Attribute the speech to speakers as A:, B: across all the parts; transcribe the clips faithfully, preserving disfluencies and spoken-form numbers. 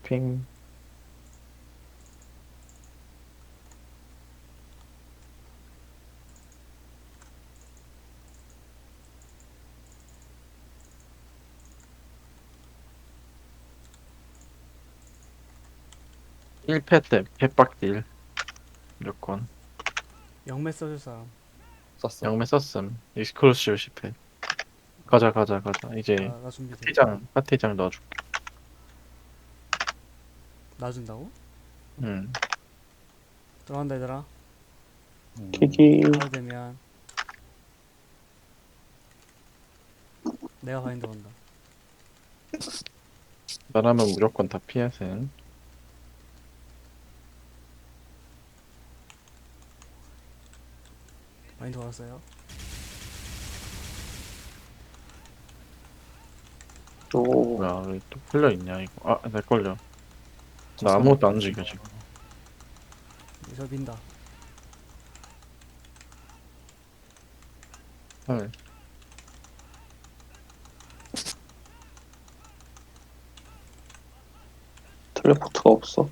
A: 핑. 일 패 때 펫박딜 무조건.
B: 영매 써줄 사람.
C: 썼어.
A: 영매 썼음. 익스클루시브 십 패. 가자 가자 가자. 이제
B: 나, 나 준비돼.
A: 파티장 파티장 넣어줄게.
B: 나 준다고?
A: 응.
B: 들어간다 얘들아.
C: 음,
D: 키키
B: 가도 되면 내가 바인드 건다.
A: 나라면 무조건 다 피하셈.
B: 바인드 걸었어요.
D: 오
A: 뭐야 왜 또 풀려 있냐 이거. 아, 내 걸려. 나
C: 저
A: 아무것도 안
C: 사람
A: 움직여 지금.
B: 저 민다.
A: 헐.
D: 텔레포트가 없어.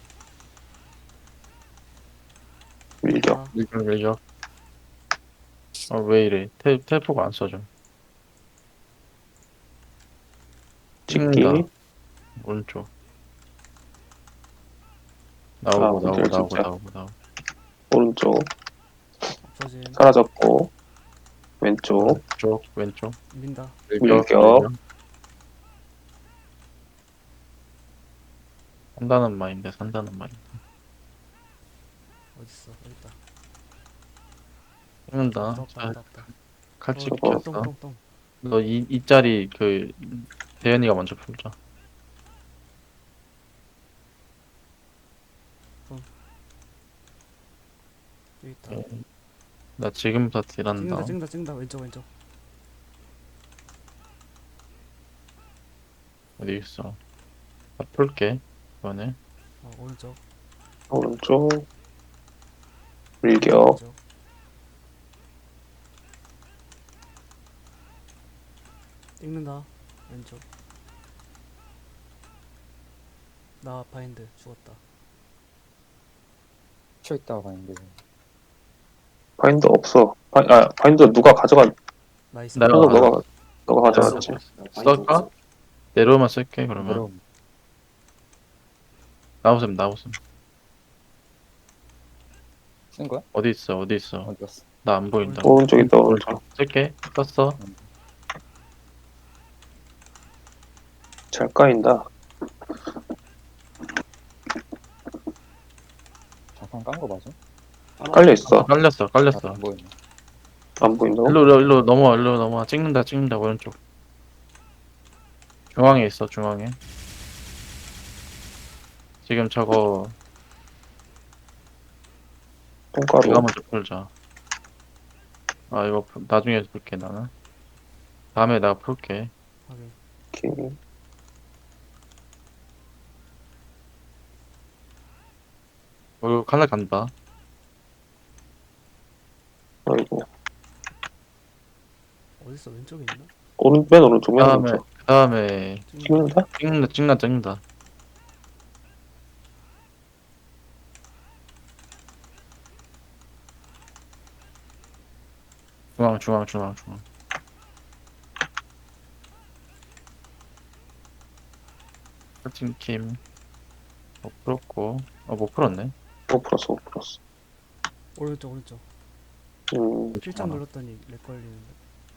D: 밀격.
B: 아,
A: 밀격 밀격. 아 왜 이래? 테 텔포가 안 써져.
D: 찍기.
A: 찍는다. 오른쪽. 나오고
D: 아,
A: 나오고
D: 근데
A: 나오고
D: 진짜.
A: 나오고 나오고.
D: 오른쪽
B: 없어짐.
D: 사라졌고 왼쪽
A: 왼쪽 왼쪽.
B: 민다.
D: 밀격.
A: 산다는 마인드 산다는 마인드.
B: 어딨어? 여기있다.
A: 찍는다.
B: 없다
A: 자,
B: 없다 없다.
A: 칼집
D: 저거
A: 켰어.
B: 똥똥똥.
A: 너 이 이짜리 그 대현이가 먼저 풀자.
B: 여기있다.
A: 예. 나 지금부터 딜한다.
B: 찍는다 찍는다 찍는다. 왼쪽 왼쪽.
A: 어디 있어? 나 풀게 이번에.
B: 어 오른쪽.
D: 오른쪽 밀격.
B: 왼쪽. 찍는다. 왼쪽. 나 바인드 죽었다.
C: 쳐 있다가 가는데
D: 바인더 없어. 바, 아 바인더 누가 가져간?
B: 나이스.
A: 내가
D: 현석
A: 가져-
D: 너가 너가 가져갔지.
A: 쓸까? 내려오면 쓸게 그러면.
C: 그럼
A: 나오셈 나오셈.
C: 쓴 거야?
A: 어디 있어 어디 있어?
C: 어디 갔어?
A: 나 안 보인다.
D: 오른쪽 있다 오른쪽.
A: 쓸게. 썼어.
D: 잘 까인다.
C: 자판 깐 거 맞아?
D: 깔려 있어.
A: 깔렸어 깔렸어.
C: 안 보이네.
D: 안 보인다고?
A: 일로 일로 일로 넘어와 일로 넘어와. 찍는다 찍는다 오른쪽. 중앙에 있어 중앙에. 지금 저거
D: 똥가루.
A: 이거 먼저 풀자. 아 이거 풀- 나중에 풀게 나는. 다음에 내가 풀게.
B: 확인.
D: 오케이.
A: 어, 이거 칼날 간다.
D: 아이고.
B: 어딨어? 왼쪽에 있나?
D: 오른 맨 오른쪽 맨
A: 다음에
D: 오른쪽.
A: 그 다음에
B: 찍는다.
D: 찍는다?
A: 찍는다 찍는다 찍는다. 중앙 중앙 중앙 중앙. 커팅킴 못 풀었고 어못 풀었네.
D: 못 풀었어 못 풀었어.
B: 오른쪽 오른쪽.
D: 음
B: 필장
A: 아.
B: 눌렀더니 렉 걸리는데.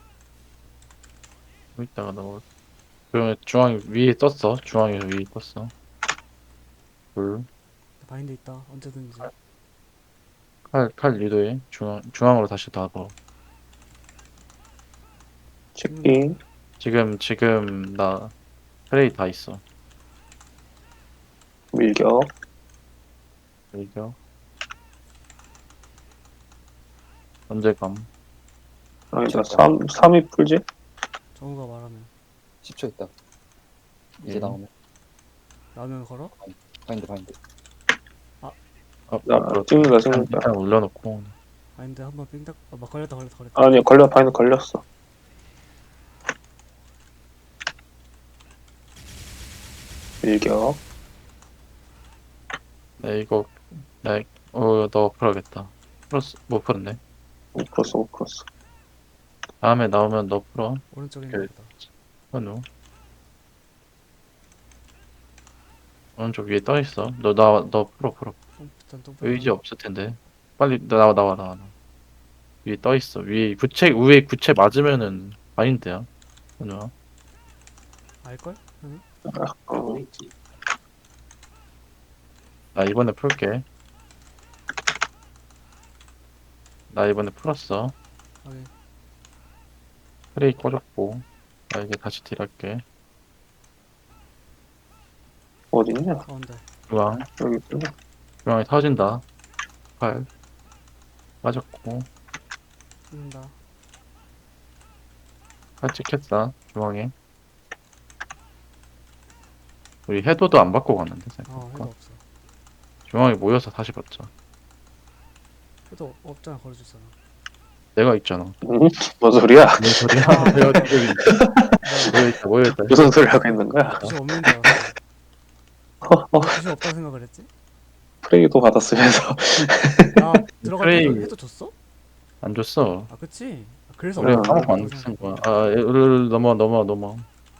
A: 좀 이따가 넣어. 그러면 중앙 위에 떴어. 중앙에서 위에 떴어. 둘.
B: 바인드 있다. 언제든지.
A: 칼, 칼 리도해. 중앙, 중앙으로 다시 놔봐.
D: 찍기.
A: 지금, 지금, 나, 트레이 다 있어.
D: 밀격.
A: 이겨. 언제 감?
D: 아니다. 삼 삼이 풀지?
B: 정우가 말하면
C: 십 초 있다. 이제
A: 예.
C: 나오면
B: 라면 걸어?
C: 바인드 바인드.
A: 아,
D: 나
A: 풀었다.
D: 찍는다
A: 일단,
D: 찍는다.
A: 일단 올려놓고.
B: 바인드 한번 삥딱. 아, 막 걸렸다 걸렸다 걸렸다.
D: 아니야 걸려 바인더 걸렸어. 밀격.
A: 네, 이거, 네, 어, 너 풀어야겠다. 풀었어, 못 풀었네.
D: 못 풀었어, 못 풀었어.
A: 다음에 나오면 너 풀어.
B: 오른쪽인가
A: 그-
B: 보다.
A: 현우. 오른쪽 위에 떠 있어. 너, 나, 너 풀어, 풀어.
B: 똥, 일단 똥
A: 의지 없을 텐데. 빨리 나와, 나와, 나와, 나와. 위에 떠 있어. 위에 구체, 위에 구체 맞으면은 마인드야. 현우야.
B: 알걸? 하는?
D: 어,
A: 나 이번에 풀게. 나 이번에 풀었어.
B: 확인.
A: 프레이 꺼졌고. 나 이제 다시 딜할게.
D: 어딨냐?
B: 가운데.
A: 중앙.
D: 여기 있구나.
A: 중앙에 터진다. 팔. 빠졌고.
B: 죽는다.
A: 팔 찍혔다. 중앙에. 우리 해도도 안 받고 갔는데,
B: 어,
A: 생각해볼까?
B: 해도 없어.
A: 중앙에 모여서 다시 받자.
B: 해도 없잖아, 걸어줄 사람.
A: 내가 있잖아.
D: 응? 뭔 소리야?
A: 뭔 소리야?
B: 아.
A: 내가 지금 모여있다, 모여있다.
D: 무슨 소리 하고 있는 거야?
B: 구십 없는 줄 알았어.
D: 허허,
B: 구십 없다 생각을 했지?
D: 프레이도 받았으면서.
B: 나 들어갈
A: 프레이.
B: 때도 해도 줬어?
A: 안 줬어.
B: 아, 그치? 아, 그래서
A: 우리
B: 없는
A: 까먹고
B: 거라고
A: 안 쓴 거야.
B: 생각했구나.
A: 아, 일, 넘어, 넘어, 넘어.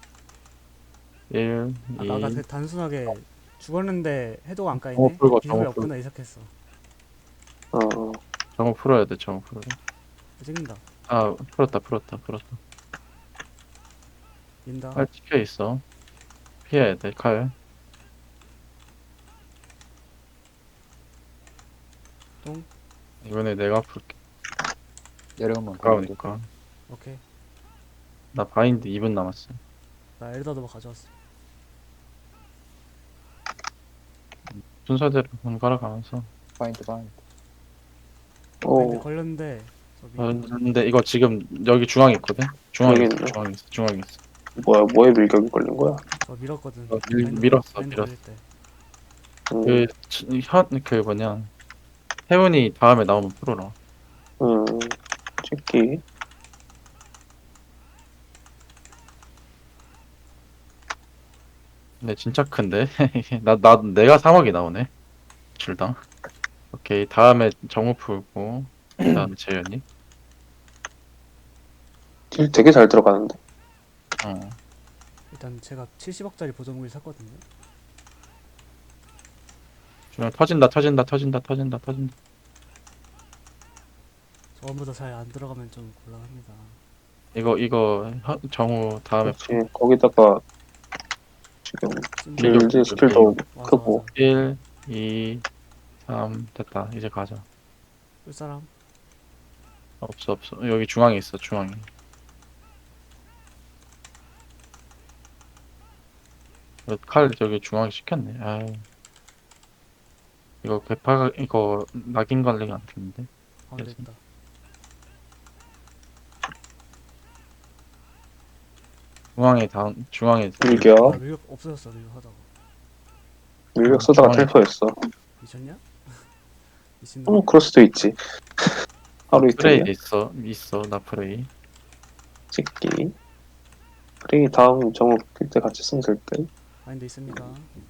A: 일,
B: 아,
A: 이.
B: 나 아까 그 단순하게 죽었는데 해도가 안
A: 어,
B: 까이네?
A: 풀고,
B: 비밀이
A: 어,
B: 없구나 이 생각했어.
D: 어,
A: 저거 풀어야 돼, 저거 풀어야 돼.
B: 찍는다.
A: 아, 풀었다, 풀었다, 풀었다.
B: 민다.
A: 칼 찍혀 있어. 피해야 돼, 칼.
B: 똥.
A: 이번에 내가 풀게.
C: 내려오면
A: 가까우니까.
B: 오케이.
A: 나 바인드 이 분 남았어.
B: 나 엘더도 가져왔어.
A: 순서대로 번갈아 가면서.
C: 바인드 바인드.
B: 마인드
D: 오,
B: 걸렸는데 저기
A: 아, 근데 이거 지금 여기 중앙에 있거든? 중앙에
D: 여기
A: 있어,
D: 있네.
A: 중앙에 있어, 중앙에 있어.
D: 뭐야, 뭐에 밀격이 걸린 거야?
B: 저 밀었거든.
A: 어, 밀-
B: 마인드
A: 밀었어,
B: 마인드
A: 밀었어.
B: 걸릴 때.
D: 음,
A: 그, 치- 현, 그 뭐냐. 태훈이 다음에 나오면 풀어라.
D: 음, 찍기.
A: 근데 진짜 큰데? 나, 나, 내가 삼억이 나오네. 줄당. 오케이. 다음에 정우 풀고, 그 다음에 재현이.
D: 딜 되게 잘 들어가는데.
A: 어.
B: 일단 제가 칠십억짜리 보정물 샀거든요.
A: 중앙 터진다, 터진다, 터진다, 터진다, 터진다.
B: 저번보다 잘 안 들어가면 좀 곤란합니다.
A: 이거, 이거, 현- 정우 다음에
D: 그렇지. 거기다가 지금
B: 찐-
A: 밀격.
D: 길드 스킬도
B: 맞아,
D: 크고.
B: 맞아.
A: 일, 이, 삼, 됐다. 이제 가자.
B: 볼 사람?
A: 없어, 없어. 여기 중앙에 있어, 중앙에. 이거 칼 저기 중앙에 시켰네. 아 이거 개파 이거 낙인 관리가 안 되는데.
B: 가운데
A: 그래서.
B: 있다.
A: 중앙에 다음 중앙에
D: 밀격.
B: 아, 밀격 없어졌어, 밀격 하다가.
D: 밀격 쓰다가
A: 중앙에-
D: 텔포했어.
B: 미쳤냐? 미친
D: 어,
B: 놈.
D: 그럴 수도 있지. 하루
A: 프레이
D: 이틀이야.
A: 있어 있어 나 프레이.
D: 찍기. 프레이 다음 정우 낄 때 같이 쓰면 될 듯.
B: 마인드 있습니다.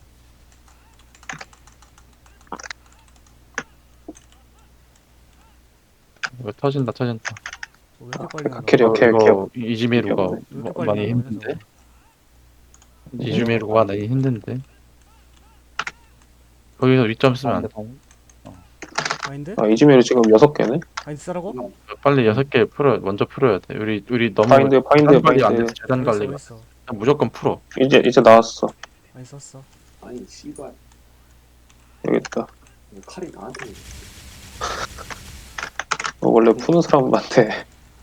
A: 이거 터진다 터진다.
B: 저 왜 이렇게 빨리 나와?
D: 캐리
A: 이거,
D: 오케이,
A: 이거
D: 오케이.
A: 이즈미루가
B: 왜 이렇게
A: 뭐-
B: 빨리
A: 많이
B: 나오냐,
A: 힘든데.
B: 저거?
A: 이즈미루가 많이 힘든데. 거기서 위점 쓰면 안 돼.
C: 바인드 바인드.
B: 마인드?
D: 아, 이즈메일 지금 여섯 개네.
B: 마인드 쓰라고?
A: 빨리 여섯 개 풀어 먼저 풀어야 돼. 우리 우리 너무
D: 바인드, 바인드,
A: 재단 관리 안
D: 바인드.
A: 돼서 재단
B: 어딨어,
A: 관리가
B: 어딨어?
A: 무조건 풀어.
D: 이제 이제 나왔어.
B: 마인드 썼어.
E: 아니 씨발
D: 여기 있다.
E: 칼이 나한테
D: 어, 원래 푸는 사람한테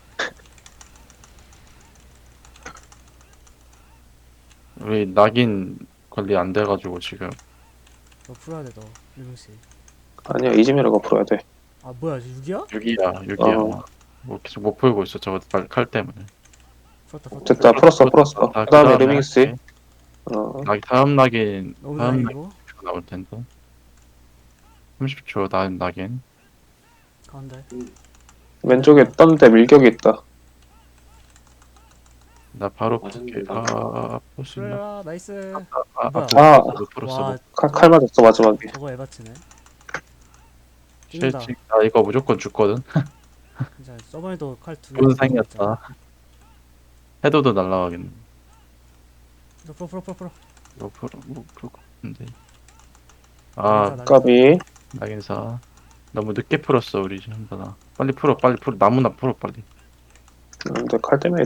A: 우리 낙인 관리 안 돼가지고 지금.
B: 너 풀어야 돼, 너. 일명씨.
D: 아니야 이즈메일가 풀어야 돼.
B: 아, 뭐야, 육이야?
A: 육이야 육이야.
D: 어.
A: 뭐 계속 못 풀고 있어 저거 칼, 칼 때문에.
B: 풀었다, 풀었다.
D: 됐다 풀었어 풀었어.
A: 아,
D: 그다음에
A: 그다음에
D: 레밍스.
A: 할게.
D: 어,
A: 낙 다음 낙인
B: 너무
A: 다음
B: 다행이고.
A: 낙인 나올 텐데. 삼십 초 다음 낙인.
B: 가운데.
D: 왼쪽에 떴는데 밀격이 있다.
A: 나 바로
E: 맞았는데,
A: 볼게.
E: 나도.
A: 아, 볼 수 있나?
B: 풀어라 나이스.
A: 아,
B: 뭐야?
A: 아,
D: 아.
A: 못 풀었어.
B: 와
A: 못
D: 칼, 칼 맞았어 마지막에.
B: 저거 에바치네.
A: 쉣,
B: 찍는다.
A: 지금 나 이거 무조건 죽거든.
B: 진짜 저번에도 칼 두 개.
A: 좋은 상이었다. 해도도 날라가겠네.
B: 풀어 풀어 풀어 풀어.
A: 이거 풀어, 뭐, 풀 것 같은데.
B: 나긴사,
A: 아,
B: 나긴사.
D: 까비.
A: 낙인사. 너무 늦게 풀었어, 우리 지금. 나 빨리 풀어, 빨리 풀어. 나무나 풀어, 빨리.
D: 근데 칼 때문에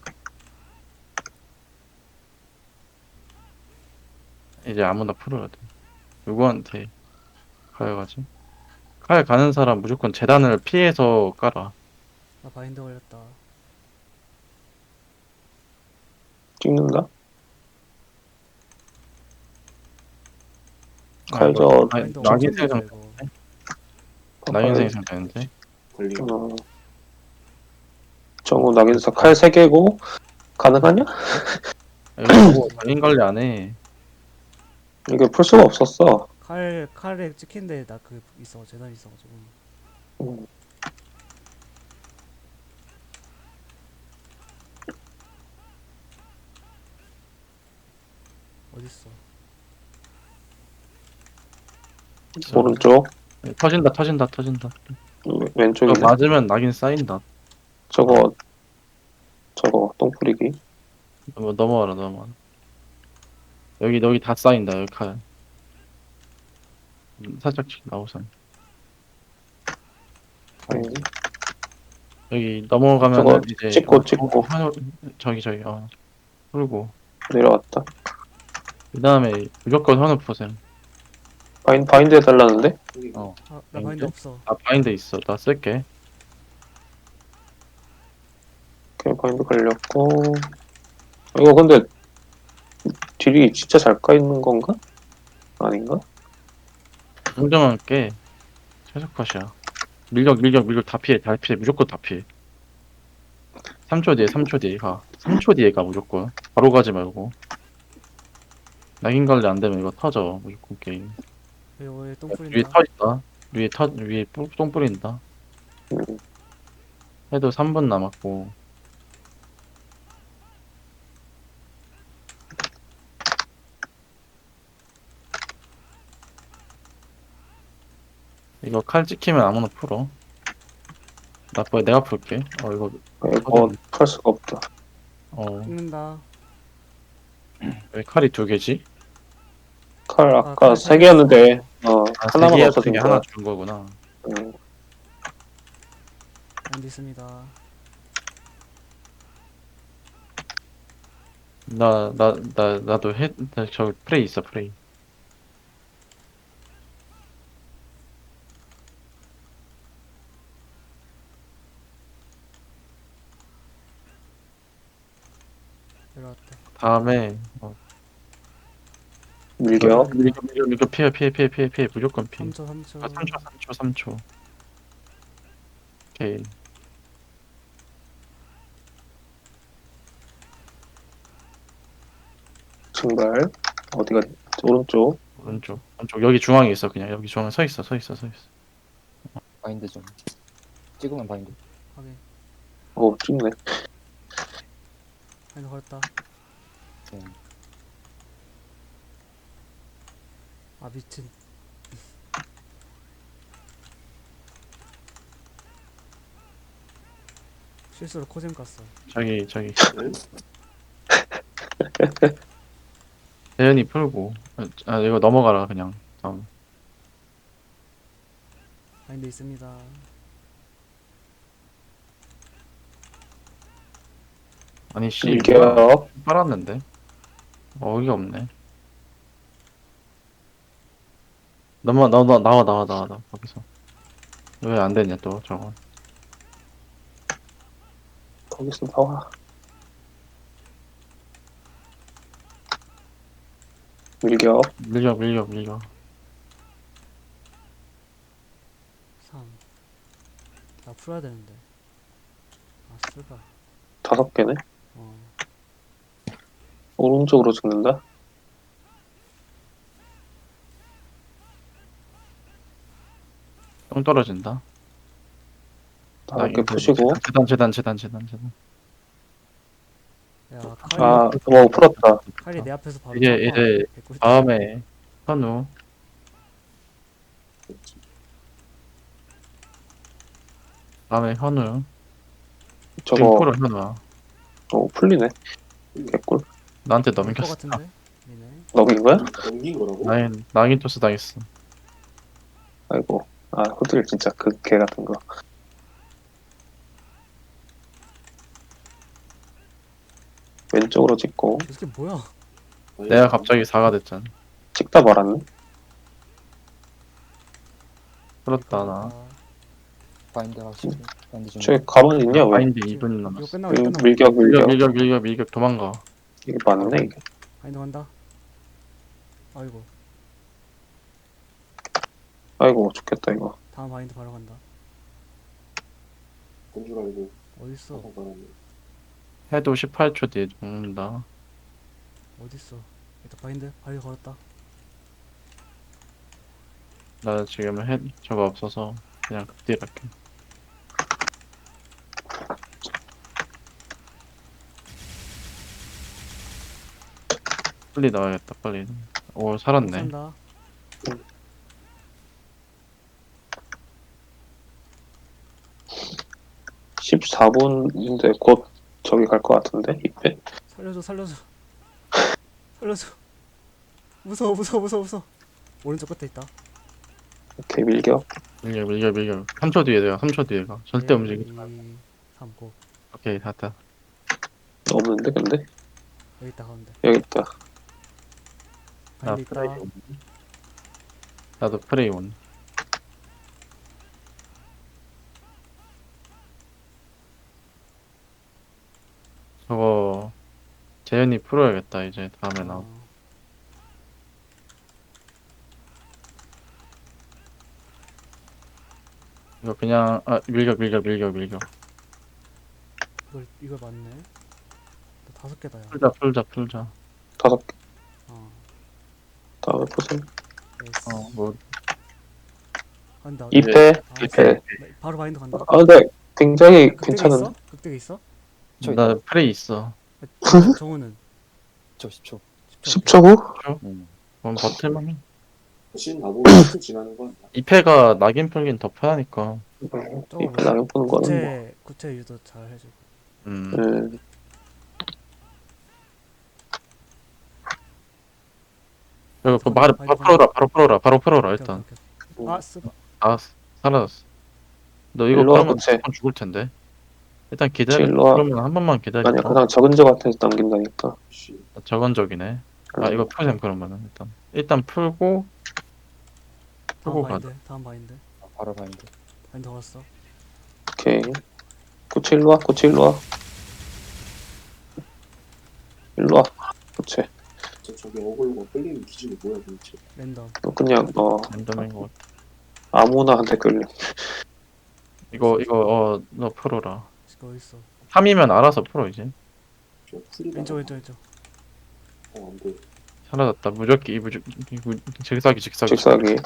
A: 이제 아무나 풀어야 돼. 누구한테 가야가지? 칼 가는 사람 무조건 재단을 피해서 깔아.
B: 나 바인드 걸렸다.
D: 찍는다.
A: 아,
D: 칼
A: 이거
D: 저
A: 나-
B: 바인드
A: 낙인
B: 엄청
A: 생성,
B: 걸려, 이거.
A: 낙인 생성 되는데?
E: 걸리.
D: 어. 정우 낙인사 칼 세 개고 가능하냐?
A: 이거 보고 낙인 관리 안 해.
D: 이게 풀 수가 없었어.
B: 칼 칼에 찍힌데 나 그 있어 재단 있어가지고.
D: 음.
B: 어딨어?
D: 오른쪽
A: 터진다, 터진다, 터진다.
D: 왼-
A: 이거
D: 왼쪽이네.
A: 맞으면 낙인 쌓인다.
D: 저거 저거 똥 뿌리기.
A: 넘어, 넘어와라, 넘어와라. 여기, 여기 다 쌓인다, 여기 칼. 음, 살짝씩 나오선.
D: 음.
A: 여기 넘어가면
D: 저거
A: 이제
D: 찍고,
A: 어,
D: 찍고.
A: 어, 저기 저기 어 풀고
D: 내려왔다.
A: 그 다음에 무조건 현우 포셈.
D: 바인 바인드 해달라는데?
E: 여기
A: 어,
B: 아, 나
A: 바인드?
B: 바인드 없어.
A: 아 바인드 있어. 나 쓸게.
D: 오케이 바인드 걸렸고. 이거 근데 딜이 진짜 잘 까있는 건가? 아닌가?
A: 공정할게. 최적컷이야. 밀격 밀격 밀격 다 피해 다 피해 무조건 다 피해. 삼 초 뒤에 삼 초 뒤에 가. 삼 초 뒤에 가 무조건. 바로 가지 말고. 낙인 관리 안 되면 이거 터져 무조건 게임.
B: 이거 똥
A: 위에
B: 뿌린다.
A: 터진다. 위에 터 위에 뿌- 똥 뿌린다.
D: 음.
A: 해도 삼 분 남았고. 이거 칼 찍히면 아무나 풀어. 나 뭐야 내가 풀게. 어 이거
D: 이거 풀 수가 없다.
A: 어
B: 찍는다.
A: 왜 칼이 두 개지?
D: 칼
B: 아,
D: 아까
B: 칼
D: 세
B: 세
D: 개였는데 어
A: 아,
D: 하나만
A: 세 개야,
D: 없어진
A: 세개
D: 거야.
A: 하나 준 거구나.
D: 음.
B: 바인드 있습니다.
A: 나 나 나 나도 해. 나 저 프레이 있어 프레이.
B: 내려왔다.
A: 다음에 어,
D: 밀격.
A: 이거 이거 이거 피해 피해 피해 피해 피해 무조건 피해.
B: 삼 초 삼 초.
A: 아, 삼 초 삼 초 삼 초. 오케이.
D: 증발. 어디가 오른쪽.
A: 오른쪽 오른쪽 여기 중앙에 있어 그냥 여기 중앙에 서 있어 서 있어 서 있어.
C: 바인드 좀 찍으면 바인드.
B: 확인.
D: 오 찍네.
B: 바인드 걸었다.
C: 네.
B: 아 미친. 실수로 코잼 깠어.
A: 저기 저기
E: 응?
A: 대현이 풀고 아 이거 넘어가라 그냥. 다음.
B: 바인드 있습니다.
A: 아니 씨 뭐야.
D: 밀격.
A: 빨았는데 어이가 없네. 넘어 나와 나와 나와 나와 나와 나와 거기서 왜 안 되냐 또 저거.
D: 거기서 나와. 밀격.
A: 밀려 밀려 밀려.
B: 삼. 나 풀어야 되는데. 아 쓰가.
D: 다섯 개네.
B: 어.
D: 오른쪽으로 찍는다.
A: 똥 떨어진다.
D: 다섯 개
A: 이거
D: 푸시고.
A: 재단 재단 재단 재단 재단 재단.
B: 야 칼이,
D: 아, 뭐 풀었다.
B: 칼이 내 앞에서 바로
A: 이제-
B: 잡아.
A: 이제
B: 개꿀이다.
A: 다음에 현우 다음에 현우 지금
D: 저거
A: 프로 현우야.
D: 어, 풀리네. 개꿀.
A: 나한테
B: 넘을 것
A: 넘겼어.
B: 같은데? 얘네.
D: 넘긴 거야?
E: 넘긴 거라고?
A: 나인 나인 토스 당했어.
D: 아이고. 아, 호들 진짜 그 개 같은 거. 왼쪽으로 찍고
B: 이게 뭐야?
E: 아니,
A: 내가 갑자기 사가 됐잖아.
D: 찍다 말았네.
A: 그렇다 나.
B: 아,
C: 바인드 하시고 바인드 좀.
D: 저기 가만 있냐 왜?
A: 마인드
B: 지금
A: 이 분
B: 이거
A: 남았어.
B: 끝나고
D: 음,
B: 끝나고
D: 밀격
A: 밀격
D: 밀격.
A: 밀격 밀격 밀격 도망가.
D: 이게 맞네 이게.
B: 바인드 간다. 아이고
D: 아이고 좋겠다 이거.
B: 다음 바인드 바로 간다.
E: 건줄 알고
B: 어딨어?
E: 사고 말았네.
A: 해도 십팔 초 뒤에 죽는다.
B: 어딨어? 일단 바인드 바인드 걸었다.
A: 나 지금 해 저거 없어서 그냥 극딜 할게. 빨리 나와야겠다 빨리. 오 살았네.
B: 산다.
D: 십사 분인데 곧 저기 갈 것 같은데 이때.
B: 살려줘 살려줘. 살려줘. 무서워 무서워 무서워 무서워. 오른쪽 끝에 있다.
D: 오케이 밀격.
A: 밀격 밀격 밀격. 삼 초 뒤에 내가 삼 초 뒤에 가. 절대 움직이지 마.
B: 삼, 고.
A: 오케이 됐다.
D: 없는데 근데
B: 여기 있다 가운데.
D: 여기 있다.
A: 나
B: 바인드
A: 프레이
B: 있다.
A: 온. 나도 프레이 온. 저거 재현이 풀어야겠다 이제 다음에 나.
B: 어,
A: 이거 그냥 아 밀격 밀격 밀격 밀격.
B: 이걸 이걸 맞네. 나 다섯 개다 야.
A: 풀자 풀자 풀자.
D: 다섯 개.
B: 어.
D: 다음에 보세요.
B: 예스.
A: 어뭐
B: 간다.
D: 이 패.
B: 아,
D: 이 패.
B: 나 바로 바인드 간다.
D: 아 근데 굉장히
B: 극대가
D: 괜찮은.
B: 있어? 극대가 있어?
C: 저
A: 나
C: 있다.
A: 프레이 있어.
B: 정우는
C: 저 십 초.
D: 십 초 후?
C: 음.
A: 그럼 버틸만.
E: 신 나보고 신 지나는 거 아니야?
A: 이 패가 낙인 풀긴 더 편하니까.
B: 저거
D: 이
B: 뭐
D: 나는 보는 거는 뭐.
B: 구체 구체 유도 잘 해주고.
A: 음.
D: 음,
A: 이거 그 말, 바로 풀어라 바로 풀어라 바로 풀어라
B: 오케이,
A: 일단.
B: 오케이, 오케이. 아 쓰바.
A: 아 사라졌어. 너 이거
D: 일로 와,
A: 그러면
D: 그치?
A: 무조건 죽을 텐데. 일단 기다려.
D: 일로 와.
A: 그러면 한 번만 기다려.
D: 아니야 그냥 적은 적 같아서 남긴다니까.
E: 씨.
A: 저건적이네. 아 이거 풀셈 그러면은 일단 일단 풀고
B: 다음
A: 풀고
B: 바인드.
A: 가자.
B: 다음 바인드.
C: 바로 바인드.
B: 바인드 걸었어.
D: 오케이. 고체 일로 와. 고체 일로 와. 일로 와. 고체.
E: 저 저기 어글로가 끌리는 기준이 뭐야 도대체?
B: 랜덤.
D: 너 그냥 어
A: 랜덤인 것 같아.
D: 아무나 한테 끌려.
A: 이거 이거 어너 풀어라.
B: 지금 어디 있어?
A: 삼이면 알아서 풀어 이제.
E: 저 풀리다.
B: 왼쪽 왼쪽 왼쪽.
E: 어안 돼.
A: 사라졌다. 무적기 무적 무- 직사기 직사기.
D: 직사기.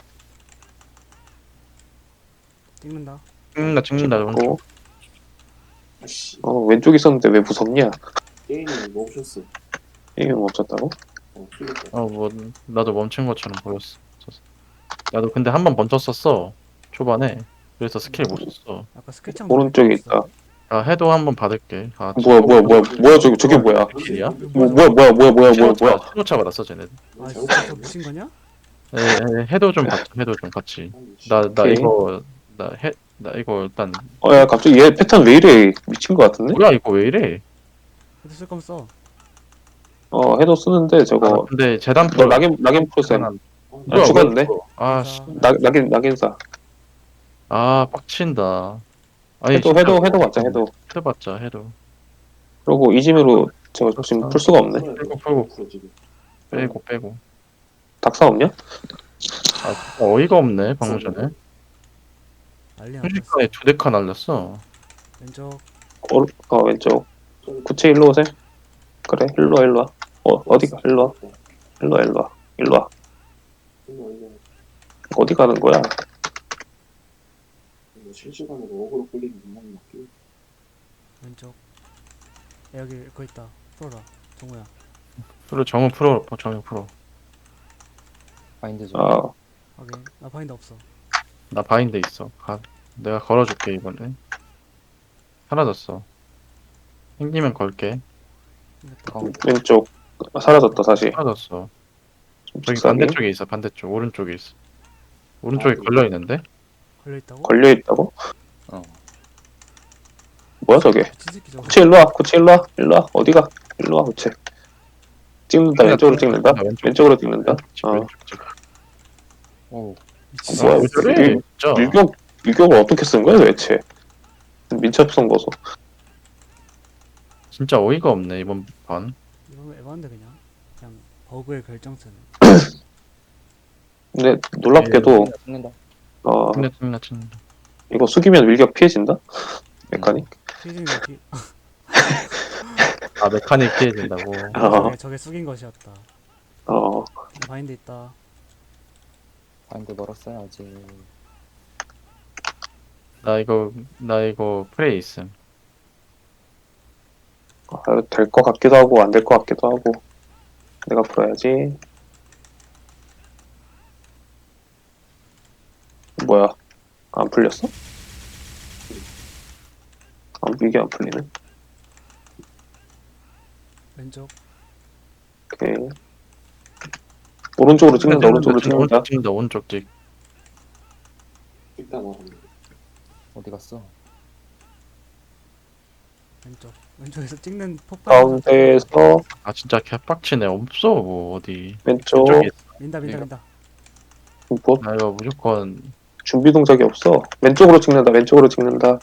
B: 찍는다.
A: 찍는다 찍는다.
D: 찍고.
E: 아씨
D: 어 왼쪽 있었는데 왜 무섭냐?
E: 게임이 멈췄어.
D: 게임이 멈췄다고?
E: 어 풀렸다.
A: 어뭐 나도 멈춘 것처럼 보였어. 나도 근데 한 번 멈췄었어 초반에. 그래서 스킬 못 썼어.
B: 아까 스케치한
D: 오른쪽에 있다.
A: 아 해도 한 번 받을게. 아
D: 뭐야 뭐야 뭐야 뭐야 저기 저게 뭐야?
A: 스킬이야?
D: 뭐 뭐야 뭐야 뭐야 뭐야 뭐야 뭐야?
A: 신호차 받았어 쟤네.
B: 아
E: 잘못
B: 진짜 저
E: 봤네.
B: 미친 거냐?
A: 에, 에, 해도 좀 받자. 해도 좀 같이.
E: 아니, 씨.
A: 나 나
D: 오케이.
A: 이거 나 해 나 이거 일단
D: 어 야 갑자기 얘 패턴 왜 이래? 미친 거 같은데?
A: 뭐야 이거 왜 이래?
B: 해도 쓸 거면 써.
D: 어 해도 쓰는데
A: 아,
D: 저거
A: 근데 재단
D: 너 낙인 낙인 프로셈
E: 아,
D: 아, 죽었네.
A: 아씨,
D: 낙 낙인 낙인사
A: 아 빡친다. 아니
D: 해도
A: 진짜
D: 해도 해도 맞자 해도.
A: 해봤자 해도
D: 그리고 이지미로 저거 지금 풀 수가 없네.
E: 풀어야 돼.
A: 풀고, 풀고.
E: 풀어, 지금.
A: 빼고 빼고.
D: 닥사 없냐?
A: 아 진짜 어이가 없네 방금 전에.
B: 난리 났어.
A: 순식간에 두 대카 날렸어.
B: 왼쪽.
D: 어, 어 왼쪽 구체 일로 오세요. 그래 일로 와 일로 와. 어 어디가 일로 와 일로 와 일로 와 일로 와.
E: 이거 이거
D: 어디 가는 거야?
E: 이거 실시간으로 어그로 끌리는 구멍이 막히고.
B: 왼쪽. 야, 여기 그거 있다. 풀어라. 정우야.
A: 그리고 정우 프로, 정우 프로.
C: 바인드 좀.
D: 아
B: 확인. 나 바인드 없어.
A: 나 바인드 있어. 가. 내가 걸어줄게 이번에. 사라졌어. 생기면 걸게.
B: 생겼다.
C: 가운데.
D: 왼쪽 사라졌다 다시.
A: 사라졌어. 저기
D: 직사기
A: 반대쪽에 있어. 반대쪽 오른쪽에 있어. 오른쪽에
E: 아,
A: 걸려 있는데?
B: 걸려 있다고?
D: 걸려 있다고?
C: 어.
D: 뭐야 저게?
B: 미친 새끼 저거.
D: 구체 일로 와. 구체 일로 와. 일로 와. 어디가? 일로 와 구체. 찍는다. 왼쪽으로 찍는다.
A: 왼쪽.
D: 왼쪽으로 찍는다. 어.
A: 왼쪽 쪽.
C: 오.
B: 미친
D: 뭐야,
B: 새끼.
A: 왜 저래? 진짜.
D: 밀격 밀격을 어떻게 쓴 거야 도대체? 민첩성 보소.
A: 진짜 어이가 없네 이번 판.
B: 이거 에반데 그냥. 그냥 버그의 결정체네.
D: 근데 놀랍게도
C: 찍는다.
D: 어
A: 튕겨 튕겨 튕겨.
D: 이거 숙이면 밀격 피해진다. 메카닉.
B: 피즈는 여기.
A: 아 메카닉 피해진다고.
D: 어.
B: 저게, 저게 숙인 것이었다.
D: 어
B: 나 바인드 있다.
C: 바인드 멀었어야지.
A: 나 이거 나 이거 프레이 있음.
D: 될 것 같기도 하고 안 될 것 같기도 하고. 내가 풀어야지. 뭐야? 안 풀렸어? 아, 이게 안 풀리네.
B: 왼쪽.
D: 오케이. 오른쪽으로 찍는다. 오른쪽으로 찍는다.
A: 오른쪽 찍는다. 오른쪽 찍.
E: 일단 와.
C: 어디 갔어?
B: 왼쪽. 왼쪽에서 찍는 폭발.
D: 가운데에서
A: 아 진짜 개빡치네. 없어 뭐 어디.
D: 왼쪽.
A: 왼쪽에 있어.
B: 민다 민다 민다.
D: 뭐
A: 나 이거 무조건
D: 준비 동작이 없어. 왼쪽으로 찍는다. 왼쪽으로 찍는다.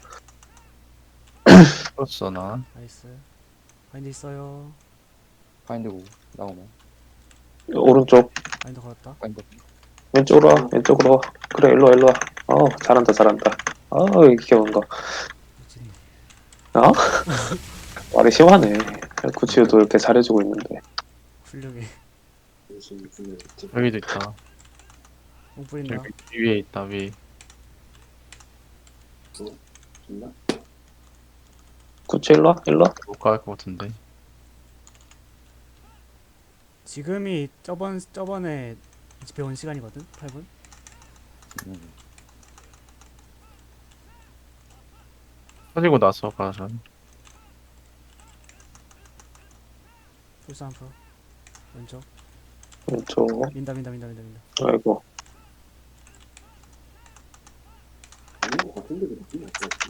A: 풀었어 나.
B: 나이스. 바인드 있어요.
C: 바인드 고 나오면.
D: 오른쪽.
B: 바인드 걸었다.
C: 바인드.
D: 왼쪽으로 와. 왼쪽으로 와. 그래 일로 와 일로 와. 어 잘한다 잘한다. 아 이게 뭔가.
B: 미친.
D: 어? 말이 심하네. 구치유도 이렇게 잘해주고 있는데.
B: 훌륭해.
E: 무슨 분야 있지?
A: 여기도 있다.
B: 공 뿌린다.
A: 여기 위에 있다 위.
E: 있나?
D: 구치 일로 와 일로 와.
A: 못 갈 것 같은데.
B: 지금이 저번 저번에 배운 시간이거든. 팔 분.
C: 음.
A: 터지고 나서 가자.
B: 풀스 한 프로. 왼쪽.
D: 왼쪽.
B: 민다 민다 민다 민다 민다.
D: 아이고.
E: 아닌 것 같은데 느낌이 안 좋았지.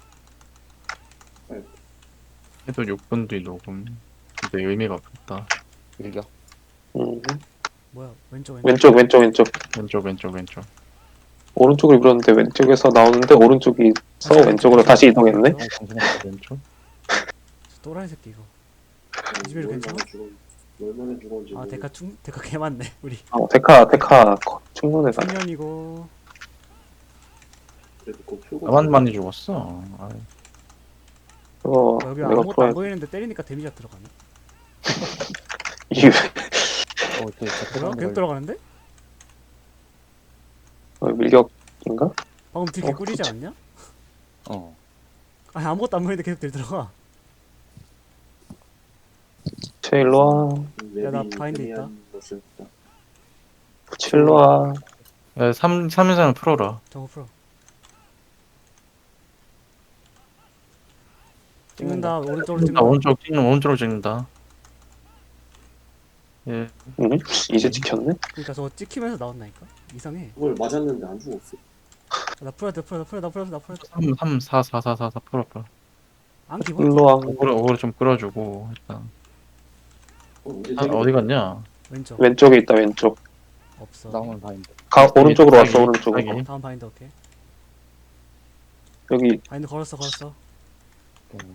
A: 해도 육 분 뒤 녹음. 근데 의미가 없다.
C: 밀격.
D: 음.
B: 뭐야? 왼쪽 왼쪽.
D: 왼쪽 왼쪽 왼쪽.
A: 왼쪽 왼쪽 왼쪽.
D: 오른쪽으로 밀었는데 왼쪽에서 나오는데 오른쪽이 서
B: 다시
D: 왼쪽으로
B: 왼쪽.
D: 다시 이동했네.
C: 어, 정신없어.
A: 왼쪽.
B: 저 또라이 새끼 이거. 이즈베르 괜찮아?
E: 얼마나 죽었, 얼마나 죽었는지.
B: 아 데카 충 데카 개 많네 우리.
D: 어, 데카 데카 거- 충분해서.
B: 청년이고.
E: 그래도 그거 풀고.
A: 나만 많이 죽었어. 아,
D: 이거
B: 어, 여기
D: 내가
B: 아무것도
D: 풀어야
B: 안 보이는데 때리니까 데미지가 들어가네.
D: 이
C: 어, 저, 저
B: 뭐야? 계속 들어가는데?
D: 어, 밀격인가?
B: 방금 딜
D: 어,
B: 개꿀이지
D: 그치.
B: 않냐?
C: 어.
B: 아니 아무것도 안 보이는데 계속 딜 들어가.
D: 제 일로 와.
B: 야, 나 바인드 있다.
D: 구치 일로 와.
A: 야, 삼 삼 인상을 풀어라.
B: 저거 풀어. 찍는다. 오른쪽으로
A: 나
B: 찍는다.
A: 오른쪽 찍는 오른쪽으로 찍는다. 예.
D: 응? 이제 찍혔네.
B: 그러니까 저거 찍히면서 나온다니까. 이상해.
E: 그걸 맞았는데 안 죽었어.
B: 나 풀어야 돼. 풀어. 나 풀어. 나 풀어. 나 풀어.
A: 삼 삼 사 사 사 사 사 풀어 풀어.
B: 안 기본.
D: 일로 와.
A: 오그로 오그로 좀 끌어주고 일단.
E: 어, 언제
A: 아, 어디 갔냐?
B: 왼쪽.
D: 왼쪽에 있다 왼쪽.
B: 없어.
C: 나오면 바인드.
D: 가 오른쪽으로 왔어
A: 사기,
D: 오른쪽으로.
A: 사기.
B: 다음 바인드 오케이.
D: 여기
B: 바인드 걸었어. 걸었어.
C: 음.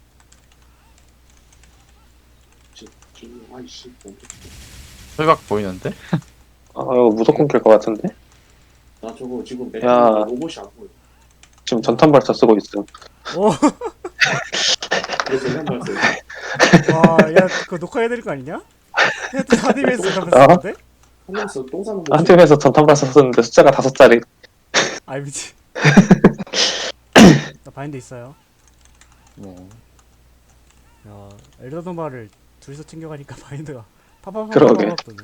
E: 지금 아이씨 멈췄어.
A: 철각 보이는데?
D: 아 이거 무조건 깰 것 같은데.
E: 나 저거 지금
D: 야.
E: 메타로 로봇이 안 보여.
D: 지금 전탄 발사 쓰고 있음.
B: 오.
E: 그래서 한발 써.
B: 와, 야, 그거 녹화해야 될 거 아니냐? 해도 하디메스
D: 아.
B: 가면서
E: 하면서 똥 싸는 거.
D: 한 팀에서 전탄 발사 쓰는데 숫자가 다섯 자리.
B: 아이 미치. 나 바인드 있어요.
C: 네.
B: 야, 엘더도마를 둘이서 챙겨가니까 바인드가 파파파파파
D: 그러게.
B: 도네.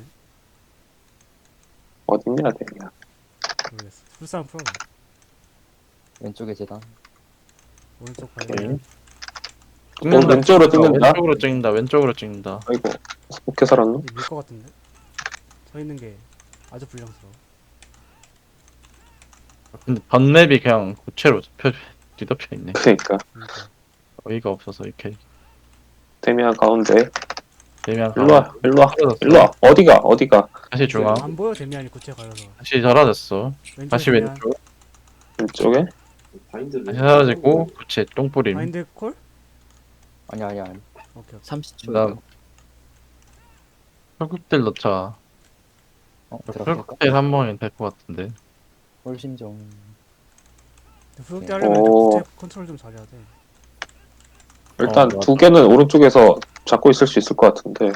D: 어딨냐 대냐.
B: 모르겠어. 불쌍한 프로.
C: 왼쪽에 재단.
B: 오른쪽
D: 오케이.
B: 바인드.
A: 찍는다,
D: 왼쪽으로 찍는다?
A: 왼쪽으로 찍는다. 왼쪽으로 찍는다.
D: 아이고 어떻게 살았노?
B: 밀것 같은데? 서 있는 게 아주 불량스러워.
A: 근데 번맵이 그냥 고체로 펴 뒤덮여 있네.
D: 그러니까
B: 그러니까.
A: 어이가 없어서 이렇게
D: 데미안 가운데.
A: 되면
D: 일로와 일로와
A: 사라졌어.
D: 일로와. 어디가 어디가.
A: 다시 중앙.
B: 안 보여 데미안이 고체 가려서.
A: 다시 사라졌어.
B: 왼쪽에
A: 다시
B: 데미안.
A: 왼쪽.
D: 왼쪽에.
E: 바인드를
A: 다시 사라지고 고체 똥뿌림.
B: 바인드 콜?
C: 아니 아니 아니.
B: 오케이 오케이.
C: 삼십 초.
A: 그다음 혈국들 넣자.
C: 어 들어갈까?
A: 혈국들 한 번이 될 것 같은데.
C: 홀심정.
B: 후속대 하려면
D: 오.
B: 고체 컨트롤 좀 잘해야 돼.
D: 일단
A: 어, 맞아.
D: 두 개는 오른쪽에서 잡고 있을 수 있을 것 같은데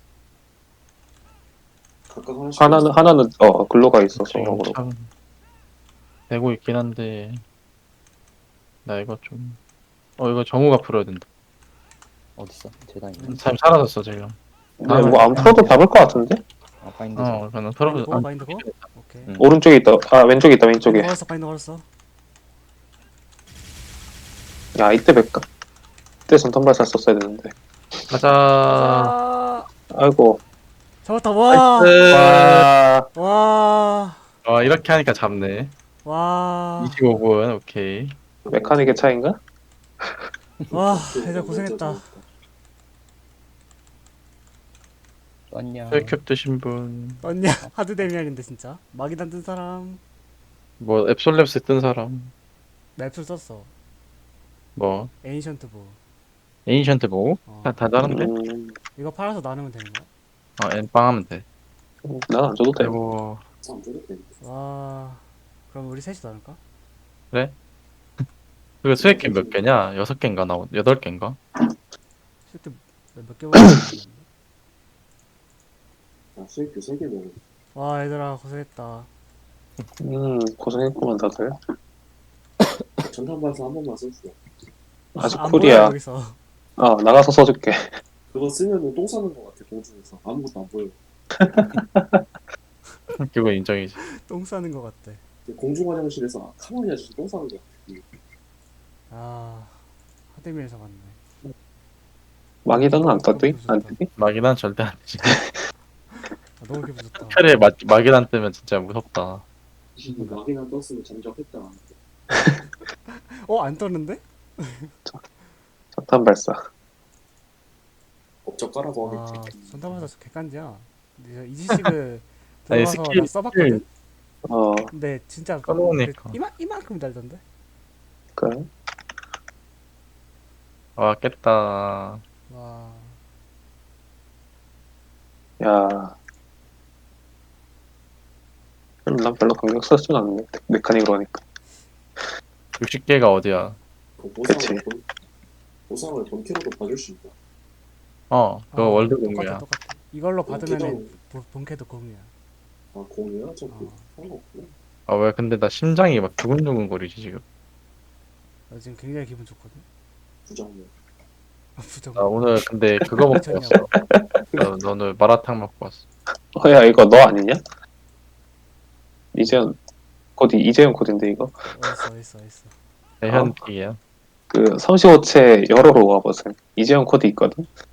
E: 각각 하나씩
D: 하나는 하나는 어 글로가 있어서
A: 지금
D: 어그로.
A: 참 되고 있긴 한데 나 이거 좀 어 이거 정우가 풀어야 된다.
C: 어딨어? 재단이.
A: 참 사라졌어 지금.
D: 근데 뭐 안 풀어도 잡을 것 같은데.
C: 아 바인드.
A: 어 그냥
B: 바인드
A: 풀어.
B: 고 바인드 고. 오케이.
C: 응.
D: 오른쪽에 있다. 아 왼쪽에 있다 왼쪽에.
B: 바인드 걸었어 바인드 걸었어.
D: 야 이때 백까. 이때 선탄발사 썼어야 되는데.
A: 가자.
B: 아
D: 아이고.
B: 잡았다 와.
A: 나이스.
D: 와.
B: 와.
A: 어 이렇게 하니까 잡네.
B: 와.
A: 이십오 분 오케이.
D: 메카닉의 차인가?
B: 와 얘들 고생했다.
C: 떴냐?
A: 혈캡 드신 분.
B: 언니야 하드 데미안인데 진짜. 마기단 뜬 사람.
A: 뭐 앱솔랩스 뜬 사람.
B: 맵술 썼어.
A: 뭐
B: 에이션트 보.
A: 에이션트 보고
B: 어.
A: 다, 다 다른데?
D: 음,
B: 이거 팔아서 나누면 되는 거야?
A: 어 엠빵 하면 돼.
D: 난 안 줘도 돼.
A: 그리고
E: 안 되겠다.
B: 와. 그럼 우리 셋이 나눌까?
A: 그리고 수액캡 몇 개냐? 여섯 개인가 나오 여덟 개인가?
B: 실제 몇 개월 모르겠는데.
E: 아, 수익도 세개 먹어.
B: 와 얘들아 고생했다.
D: 음 고생했구만 다들.
E: 전탄발사 한 번만 써주세요.
D: 아직
B: 안 보여,
D: 쿨이야.
B: 여기서.
D: 어 나가서 써줄게.
E: 그거 쓰면은 똥 싸는 것 같아, 공중에서. 아무것도 안 보여.
A: 그거 인정이지.
B: 똥 싸는 거 같대.
E: 공중 화장실에서 아, 가만히 아저씨 똥 싸는 것 같아.
B: 아 하드미에서 갔네.
D: 망이단은 안 떴지? 안 뜨니?
A: 마기난 절대 안 되지.
B: 아, 너무 기분 좋다.
A: 차라리 마, 마기난 뜨면 진짜 무섭다.
E: 막이나 떴으면 잠적했다.
B: 어 안 떴는데?
D: 선탄발사.
E: 업적 까라고
B: 와
E: 하겠지.
B: 전담하다 객관지야. 근데 이지식을
A: 아니,
B: 들어가서
A: 스킬-
B: 나 써봤거든.
D: 어
B: 근데 진짜
A: 까먹으니까.
B: 그 이만 이만큼 달던데.
D: 그래.
A: 와 깼다.
B: 와
D: 야. 그럼 난 별로 강경 쓰진 않네. 메카닉으로 하니까.
A: 육십 개가 어디야?
E: 그 보상을
D: 그치.
E: 본, 보상을 본캐로도 봐줄 수 있다.
A: 어 그거
B: 어,
A: 월드
B: 똑같아,
A: 공유야.
B: 똑같아. 이걸로 받으면은
E: 계정-
B: 본- 본캐도 공유야.
E: 아, 공유야? 저 그,
B: 어.
E: 상관없구나.
A: 아 왜 근데 나 심장이 막 두근두근 거리지 지금.
B: 나 지금 굉장히 기분 좋거든.
E: 부정면.
B: 아, 부정.
A: 나 오늘 근데 그거 먹고 왔어. 너, 너 오늘 마라탕 먹고 왔어.
D: 어야 이거 너 아니냐? 이재현 코디 이재현 코디인데 이거
B: 어딨어 어딨어 어딨어.
A: 대현픽이야.
D: 그 삼십오 채 열어로 와보세요. 이재현 코디 있거든.